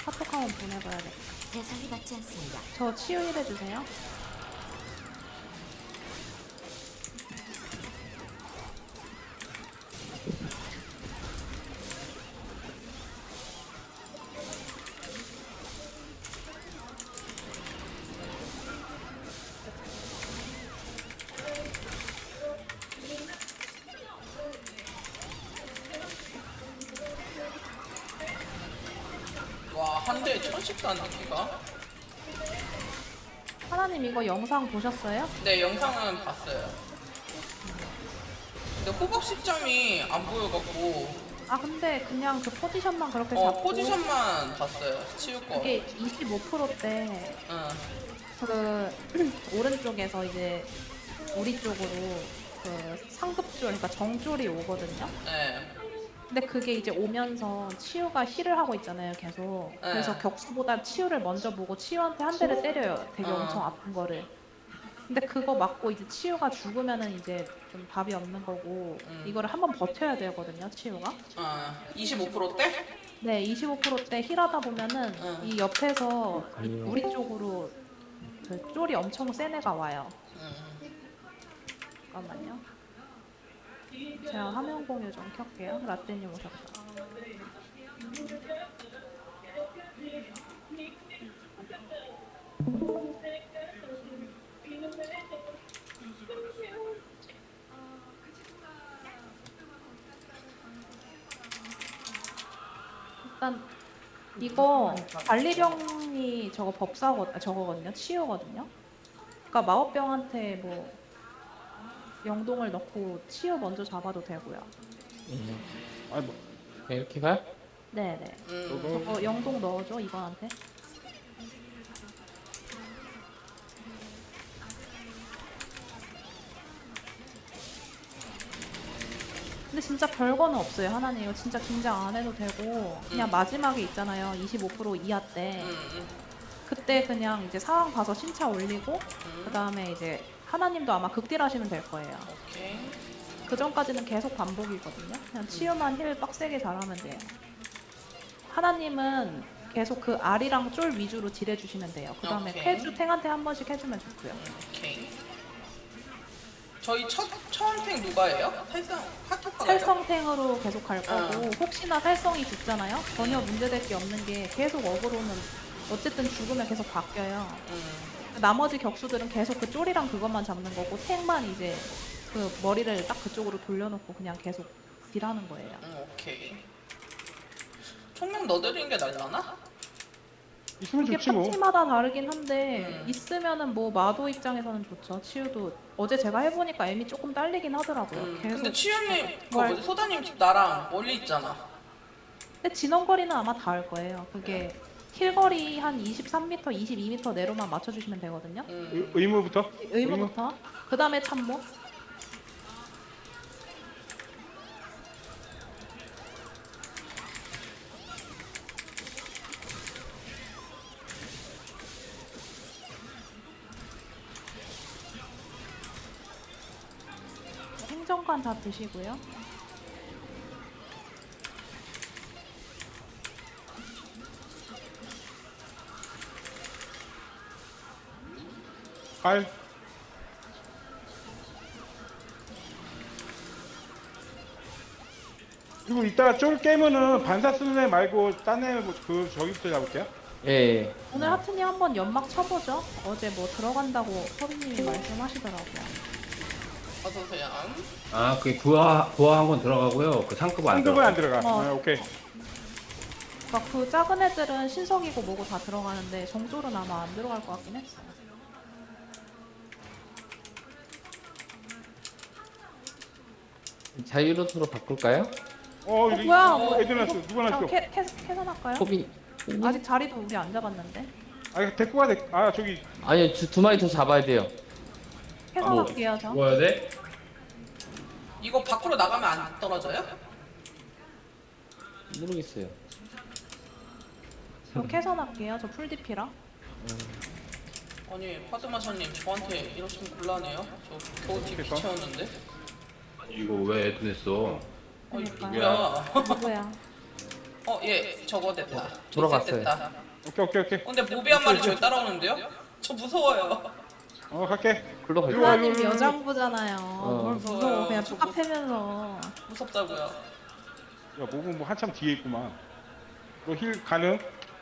카톡 한번 보내봐야겠다. 대상이 받지 않습니다. 저 치유 1 해주세요. 와, 한 대에 1000씩도 안 느끼가? 하나님 이거 영상 보셨어요? 네, 영상은 봤어요. 근데 호박 시점이 안 보여갖고, 아 근데 그냥 그 포지션만 그렇게 잡고 포지션만 봤어요. 치울 거. 이게 25%대 응. 그 오른쪽에서 이제 우리 쪽으로 그 상급줄 그러니까 정줄이 오거든요. 네. 근데 그게 이제 오면서 치유가 힐을 하고 있잖아요, 계속. 네. 그래서 격수보다 치유를 먼저 보고 치유한테 한 대를 때려요. 되게 어. 엄청 아픈 거를. 근데 그거 맞고 이제 치유가 죽으면은 이제 좀 답이 없는 거고 이거를 한번 버텨야 되거든요, 치유가. 25%대? 네, 25%대 힐하다 보면은 응. 이 옆에서 우리 쪽으로 그 쫄이 엄청 센 애가 와요. 잠깐만요. 제가 화면 공유 좀 켤게요. 라떼님 오셨다. 일단 이거 관리병이 저거거든요. 치유거든요. 그러니까 마법병한테 뭐 영동을 넣고 치유 먼저 잡아도 되고요. 아니 뭐 그냥 이렇게 가요? 네네. 저거 저거 영동 넣어줘 이번한테. 근데 진짜 별거는 없어요. 하나님 이거 진짜 긴장 안 해도 되고 그냥 마지막에 있잖아요. 25% 이하 때 그때 그냥 이제 상황 봐서 신차 올리고 그 다음에 이제 하나님도 아마 극딜 하시면 될 거예요. 오케이. 그 전까지는 계속 반복이거든요. 그냥 치유만 힐 빡세게 잘하면 돼요. 하나님은 계속 그 알이랑 쫄 위주로 딜해주시면 돼요. 그 다음에 오케이. 쾌주 탱한테 한 번씩 해주면 좋고요. 오케이. 저희 처음 탱 누가 해요? 카톡 살성탱으로 계속 갈 거고 어. 혹시나 살성이 죽잖아요? 전혀 문제될 게 없는 게 계속 어그로는 어쨌든 죽으면 계속 바뀌어요. 나머지 격수들은 계속 그 쫄이랑 그것만 잡는 거고 탱만 이제 그 머리를 딱 그쪽으로 돌려놓고 그냥 계속 딜하는 거예요. 오케이. 총력 넣어드리는 게 날라나? 있으면 이게 좋지 뭐. 파티마다 다르긴 한데 있으면은 뭐 마도 입장에서는 좋죠. 치유도 어제 제가 해보니까 애미 조금 딸리긴 하더라고요. 계속 근데 치유님, 그 뭘- 뭐지, 소다님 집 나랑 멀리 있잖아. 근데 진원거리는 아마 닿을 거예요. 그게 힐거리 한 23m, 22m 내로만 맞춰주시면 되거든요. 의무부터. 의무부터. 그 다음에 참모. 행정관 다 드시고요. 발. 그리고 이따가 쫄 깨면은 반사 쓰는 애 말고 딴 애 그 저기부터 잡을게요. 예, 예. 오늘 하트님 한번 연막 쳐보죠. 어제 뭐 들어간다고 서비님이 말씀하시더라고요. 어서오세요. 아, 그 부하 한 건 들어가고요. 그 상급은 안 상급은 안 들어가. 들어가. 어. 아, 오케이. 그러니까 그 작은 애들은 신석이고 뭐고 다 들어가는데 정졸은 아마 안 들어갈 것 같긴 했어요. 자유로스로 바꿀까요? 여기 뭐야? 애들 났어. 누가 났어? 캐선할까요? 코비. 아직 자리도 우리 안 잡았는데. 아, 데리고 가. 아, 저기 아니요, 두 마리 더 잡아야 돼요. 캐선할게요 저. 뭐 해야 돼? 이거 밖으로 나가면 안 떨어져요? 모르겠어요. 저 캐선할게요. 저 풀디피라. 아니, 파드마샤님 저한테 이러시면 곤란해요. 저 겨우 DP 그러니까. 채웠는데. 이거 왜 애도 냈어? 아니, 그러니까요. 누구야? 누구야? 예, 저거 됐다. 돌아갔어요. 됐다. 오케이. 근데 모비 한 마리 저기 따라오는데요? 저 무서워요. 갈게. 글로 갈게요. 일로 와, 하나님 일로 와. 여장부잖아요. 뭘 무서워. 그냥 저거 쭉 패면서. 무섭다고요. 야, 목은 뭐 한참 뒤에 있구만. 너 힐 가능?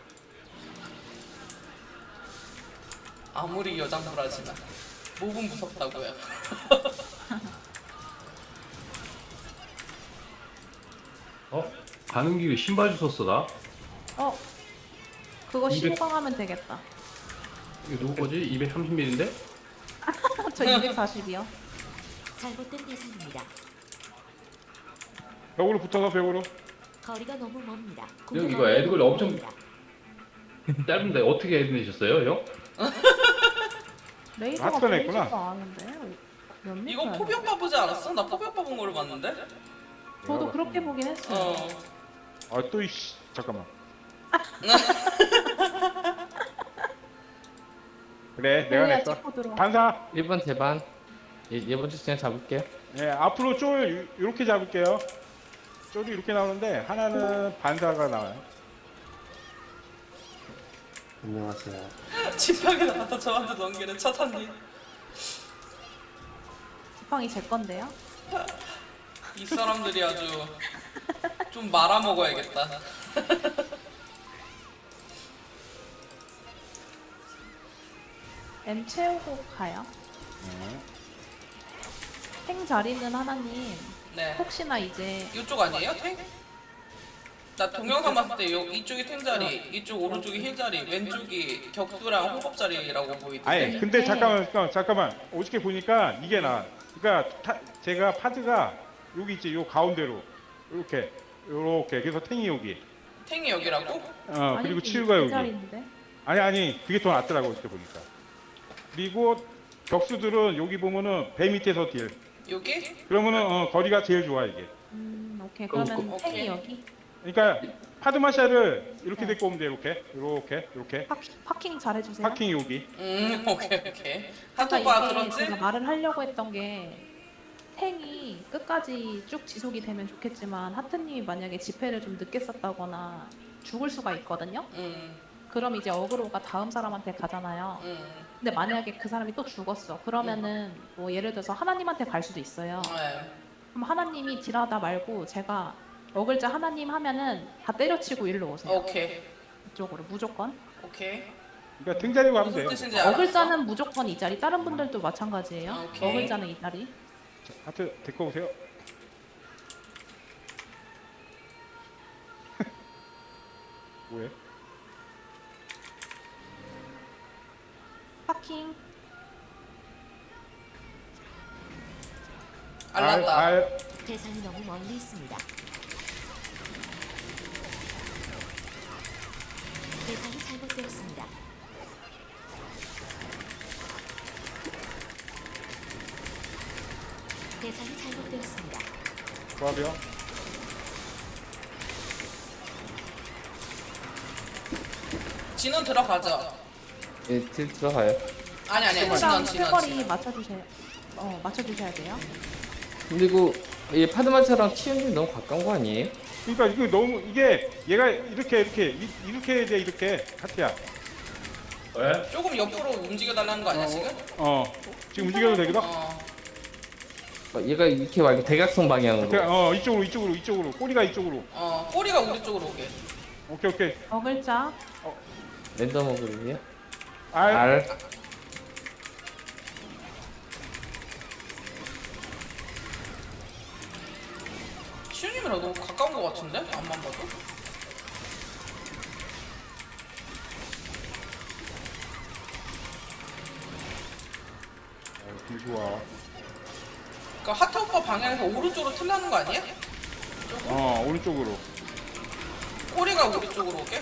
아무리 여장부라지만 몹은 무섭다고요. 가는 길에 신발 주웠어 나. 그거 200. 신고하면 되겠다. 이거 누구 거지? 230ml인데? 저 240이요. 잘못된 대상입니다. 벽으로 붙어서 벽으로. 거리가 너무 멉니다. 형, 이거 애들 엄청- 짧은데 어떻게 해내셨어요, 형? 레이더가 마스터가 있구나. 보이지도 않은데. 몇 미터야? 이거 포병 보지 않았어? 나 포병 본 걸로 봤는데? 저도 그렇게 보긴 했어요. 또 이씨. 잠깐만. 그래, 내가 야, 냈어. 찍고 들어와. 반사. 1번 대반. 이번 주 그냥 잡을게요. 예, 앞으로 쫄 이렇게 잡을게요. 쫄이 이렇게 나오는데 하나는 반사가 나와요. 안녕하세요. 지팡이 나왔다 저한테 넘기는 차탄님. 지팡이 제 건데요. 이 사람들이 아주 좀 말아먹어야겠다. M 채우고 가요. 탱 자리는 하나님 네. 혹시나 이제 이쪽 아니에요? 탱? 나 동영상 봤을 때 이쪽이 탱 자리, 이쪽 오른쪽이 힐 자리, 왼쪽이 격수랑 호흡 자리라고 보이던데. 아니, 근데 잠깐만. 어저께 보니까 이게 나. 그러니까 제가 파드가 여기 있지, 요 가운데로 이렇게. 그래서 탱이 여기. 탱이 여기라고? 그리고 아니지, 치유가 그 여기. 자리인데. 아니, 그게 더 낫더라고 어저께 보니까. 그리고 격수들은 여기 보면은 배 밑에서 딜. 여기? 그러면은 거리가 제일 좋아 이게. 오케이. 그러면 오케이. 탱이 여기. 그러니까 파드마샤를 이렇게 데리고 오면 돼. 이렇게. 파킹 잘해주세요. 파킹 여기. 오케이. 아까 한토바 이게 들었지? 제가 말을 하려고 했던 게 탱이 끝까지 쭉 지속이 되면 좋겠지만 하트님이 만약에 지폐를 좀 늦게 썼다거나 죽을 수가 있거든요. 그럼 이제 어그로가 다음 사람한테 가잖아요. 근데 만약에 그 사람이 또 죽었어. 그러면은 뭐 예를 들어서 하나님한테 갈 수도 있어요. 네. 그럼 하나님이 딜하다 말고 제가 어글자 하나님 하면은 다 때려치고 일로 오세요. 오케이. 이쪽으로 무조건. 그러니까 등자리고 가면 무슨 돼요. 뜻인지 알았어? 어글자는 무조건 이 자리. 다른 분들도 마찬가지예요. 오케이. 어글자는 이 자리. 하트 데리고 오세요. 뭐해? 파킹. 알랐다. 대상이 너무 멀리 있습니다. 대상이 잘못되었습니다. 대상이 잘못되었습니다. 조합이요. 진원 들어가죠? 예, 딜 들어가요. 아니 친구랑 진원. 쾌거리 맞춰주세요. 맞춰주셔야 돼요. 그리고 이 파드마차랑 치윤님 너무 가까운 거 아니에요? 그러니까 이거 너무 이게 얘가 이렇게 해야 돼 이렇게 하트야. 왜? 조금 옆으로 움직여 달라는 거 아니야 지금? 지금 움직여도 되거든. 얘가 이렇게 말고 대각선 방향으로. 이쪽으로 꼬리가 이쪽으로. 꼬리가 우리 쪽으로 오게. 오케이. 어글자. 랜덤 어그룹이요? 알. R. 시우님이랑 너무 가까운 거 같은데? 앞만 봐도? 좋아. 그러니까 하트 오빠 방향에서 오른쪽으로 틀라는 거 아니야? 오른쪽으로. 꼬리가 우리 쪽으로 오게?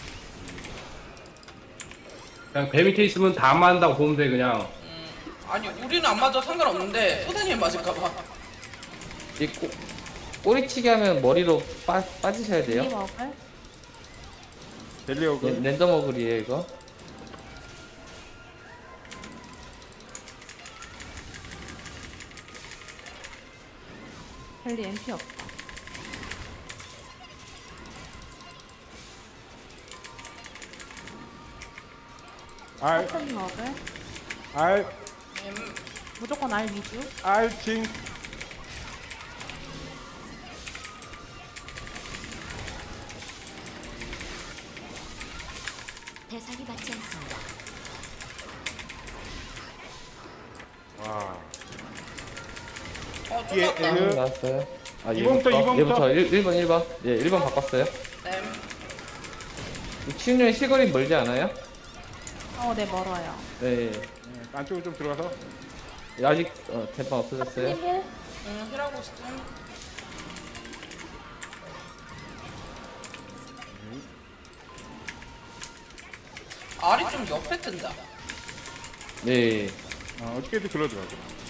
그냥 배 밑에 있으면 다 안 맞는다고 보면 돼 그냥. 아니 우리는 안 맞아 상관없는데 소다님 맞을까봐. 이 꼬리치기 하면 머리로 빠지셔야 돼요. 이 어글. 델리오그. 랜덤 어그리에요 이거. 벨리 MP 없다. 알, 하트님 어글. 알, 무조건 알 위주. 알, 징. 대상이 맞지 않습니다. 와. 쫄랐다. 예, 네, 나왔어요. 아, 이번부터, 이번부터. 얘부터 1번 1번. 예, 1번 바꿨어요. 네. 치윤이 시거리 멀지 않아요? 네 멀어요. 네. 네, 안쪽으로 좀 들어가서. 아직 대판 없어졌어요. 하트님 힐. 힐하고 있음. 알이 좀 옆에 뜬다. 네. 어떻게든 그러더라고.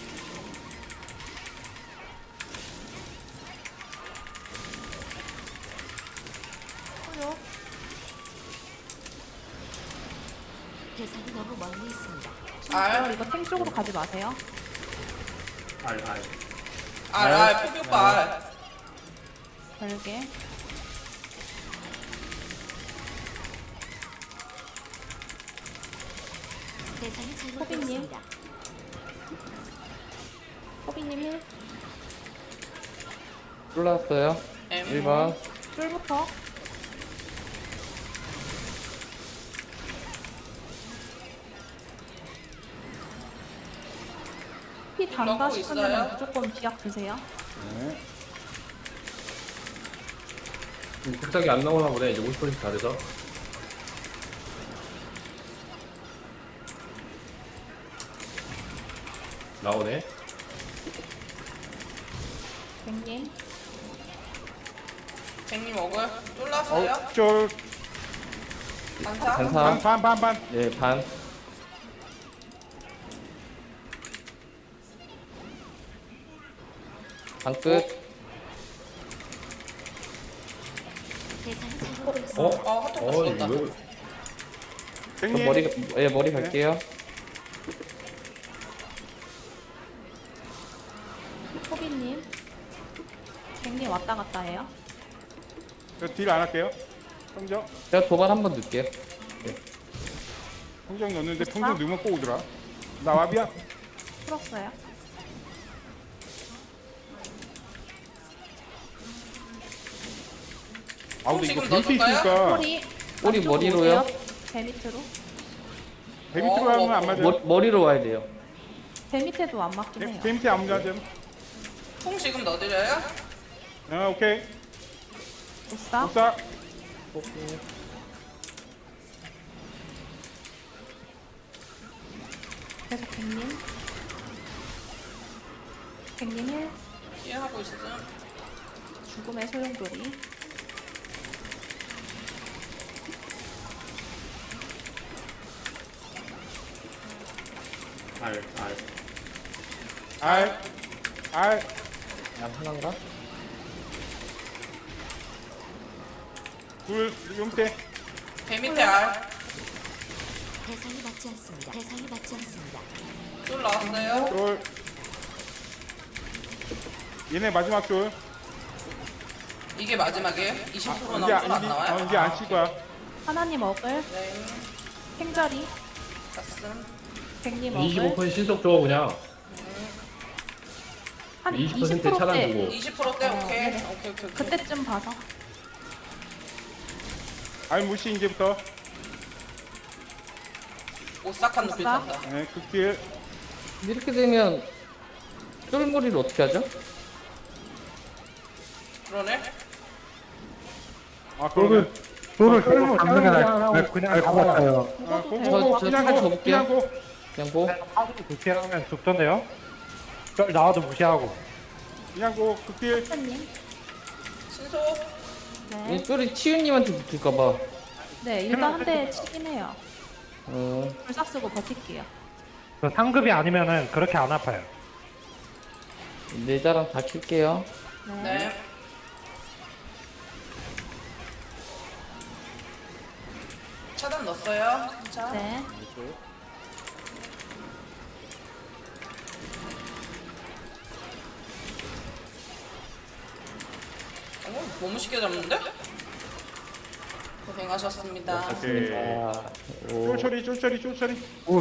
소요. 대상이 너무 멀리 있습니다. 알. 이거 탱 쪽으로 가지 마세요. 알, 포교과 알. 별개. 대상이 호빈님. 잘못되었습니다. 호비님 힐. 올라왔어요. 1번. 쫄부터. 피 단다 넣고 싶으면 있어요? 무조건 비약 드세요. 네. 갑자기 안 나오나 보네. 이제 50%다 돼서. 나오네. 백님. 쟁님 먹을. 쫄랐어요? 쫄, 반사? 반사. 반. 네, 반. 반 끝. 대상이 잘못되었습니다. 핫도그 죽었다. 이거 저 백님. 머리 갈게요. 호비님. 백님 왔다 갔다 해요. 저 딜 안 할게요. 평정. 제가 도발 한번 넣을게요. 평정 넣는데 평정 넣으면 꼭 오더라. 나 와비야. 풀었어요. 아 근데 이거 지금 베이트 넣어줄까요? 있으니까 꼬리. 꼬리 안쪽으로 머리로요? 오세요. 배 밑으로. 배 밑으로 하면 안 맞아요. 머리로 와야 돼요. 배 밑에도 안 맞긴 해요. 배 밑에 아무 자좀. 통 지금 넣어드려요? 오케이. 오싸. 옵사. 계속 백님. 백님 힐. 이해하고 있음. 죽음의 소용돌이. 알. 알. 양 하나인가? 둘. 용태. 배 밑에 알. 대상이 맞지 않습니다. 대상이 맞지 않습니다. 쫄 나왔어요? 쫄. 얘네 마지막 쫄. 이게 마지막이에요? 20% 이제 남은 쫄안 나와요? 이제 안 칠 거야. 하나님 어글. 네. 탱자리. 갔음. 백님 어글. 25% 신속 줘 그냥. 한 20% 20%대. 차단주고. 20%대 오케이. 네네. 오케이. 그때쯤 봐서. 알 무시 이제부터. 오싹한 눈빛 오싹? 난다. 네, 극딜. 이렇게 되면 쫄머리를 어떻게 하죠? 그러네? 아, 그러면. 돌을 끌고 잡는 게 나을 것 같아요. 죽어도 고, 되고. 고, 고, 저 그냥 저 고, 접을게요. 그냥 고. 그냥 고. 하도 무시하면 죽던데요? 쩔 나와도 무시하고. 그냥 고, 극딜. 하트님. 신소? 네. 이 쫄이 치윤님한테 붙을까봐. 네, 일단 한 대 치긴 해요. 불사 쓰고 버틸게요. 그 상급이 아니면은 그렇게 안 아파요. 내자랑 다 킬게요. 네. 네. 차단 넣었어요. 자. 네. 너무 쉽게 잡는데? 고생하셨습니다. 오케이. 아, 오. 쫄처리.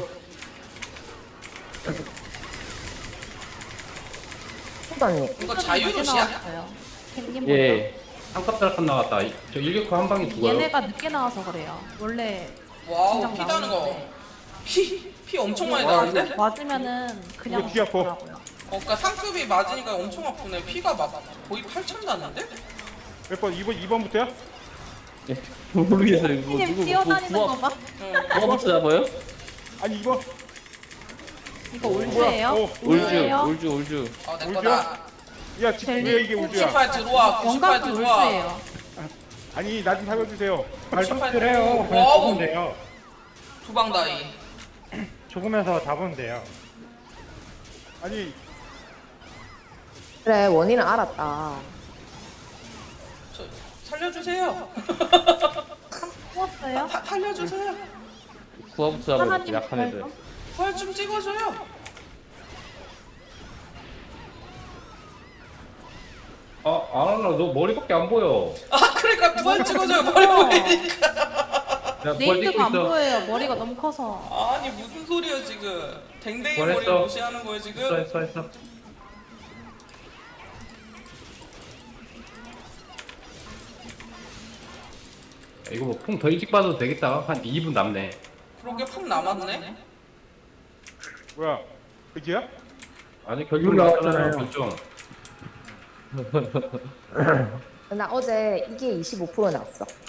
후반님. 이거 이제 자유로시야? 나왔어요. 펭귄 예. 한값달값 나갔다. 저 일격수 한 방에 먼저. 죽어요. 얘네가 늦게 나와서 그래요. 원래 와우, 진작 피 나는 거. 나오는데. 피 엄청 많이 와, 나는데? 이거 맞으면은 그냥 이거 뒤 아파. 죽더라고요. 그러니까 상급이 맞으니까 엄청 아프네. 피가 막 거의 8천 났는데? 몇 번? 2번부터야? 모르겠어요. 뭐 님 누구 뛰어다니는 거 봐. 응. 부하부터 잡아요? 아니 2번. 이거 올주예요? 뭐야? 올주. 어, 내 울지야? 거다. 야, 왜 이게 울지야? 98 들어와. 98 영광도 들어와. 올주예요. 아니, 나 좀 살려주세요. 말뚝질 해요. 그냥 와우. 죽으면 돼요. 두방다이. 죽으면서 잡으면 돼요. 아니, 그래, 원인은 알았다. 저 살려주세요. 뽑았어요? 살려주세요. 부하부터 잡아요. 하나님 약한 애들. 부활 부활 좀 찍어줘요. 아나 너 머리밖에 안 보여. 아 그러니까 부활 찍어줘요. 머리 보이니까. 나 부활 찍고 네이트가 안 있어. 보여요. 머리가 너무 커서. 아니 무슨 소리야 지금. 댕댕이 부활했어. 머리 무시하는 거예요 지금. 했어. 이거 뭐 풍 더 일찍 받아도 되겠다. 한 2분 남네. 그러게 푹 남았네. 뭐야? 그지야? 아니 결국 나왔잖아요. 나왔잖아요. 결정. 나 어제 이게 25% 나왔어.